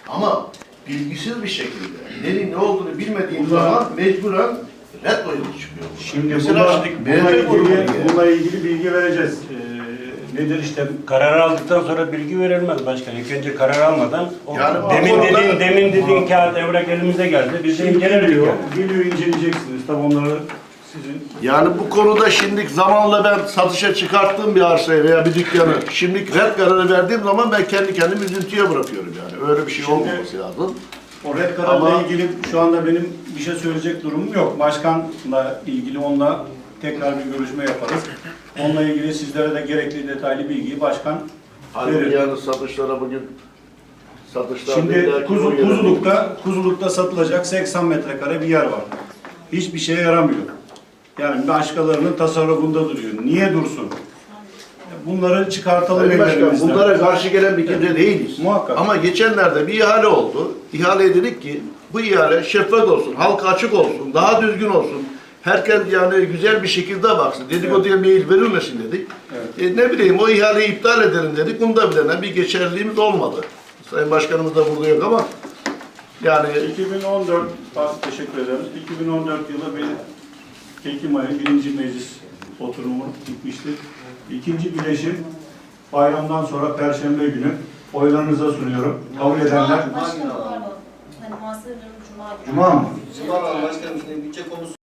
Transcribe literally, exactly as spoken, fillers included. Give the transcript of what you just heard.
Ama bilgisiz bir şekilde neyin ne olduğunu bilmediğim zaman mecburen red oyunu çıkıyor. Şimdi Mesela buna, şimdi bununla, B F grubu ilgili, diye. bununla ilgili bilgi vereceğiz. Ee, nedir işte Karar aldıktan sonra bilgi verilmez başkan. İlk önce karar almadan o Yani demin bu konuda- dediğin demin dediğin kağıt evrak elimize geldi. Biz de şimdi inceledik geliyor, yani. geliyor inceleyeceksiniz. Tabii onları sizin Yani bu konuda şimdi zamanla ben satışa çıkarttığım bir arsayı veya bir dükkanı şimdi red kararı verdiğim zaman ben kendi kendimi üzüntüye bırakıyorum yani. Öyle bir şey Şimdi- olmaması lazım. o red kararla Ama- ilgili şu anda benim bir şey söyleyecek durumum yok. Başkanla ilgili onunla tekrar bir görüşme yaparız. Onunla ilgili sizlere de gerekli detaylı bilgiyi başkan Halbuki verir. yani satışlara bugün satışlar Şimdi kuzu, Kuzuluk'ta, Kuzuluk'ta satılacak seksen metrekare bir yer var. Hiçbir şeye yaramıyor. Yani başkalarının tasarrufunda duruyor. Niye dursun? Bunları çıkartalım Sayın Başkan, ellerimizden. bunlara karşı gelen bir kimse değiliz. Muhakkak. Ama geçenlerde bir ihale oldu. İhaleye dedik ki bu ihale şeffaf olsun, halka açık olsun, daha düzgün olsun. Herkes yani güzel bir şekilde baksın. Dedikoduya meyil verilmesin dedik. Evet. E, ne bileyim o ihaleyi iptal edelim dedik. Bunda bile bir geçerliliğimiz olmadı. Sayın Başkanımız da burada yok ama yani iki bin on dört, bak, teşekkür ederiz. iki bin on dört yılı bir Ekim ayı birinci meclis oturumu gitmişti. İkinci bileşim bayramdan sonra Perşembe günü oylarınıza sunuyorum. Kabul edenler Başkanım pardon. Hani muhasebe durumu Cuma günü. Cuma mı? Cuma Başkanım, şimdi bütçe konusu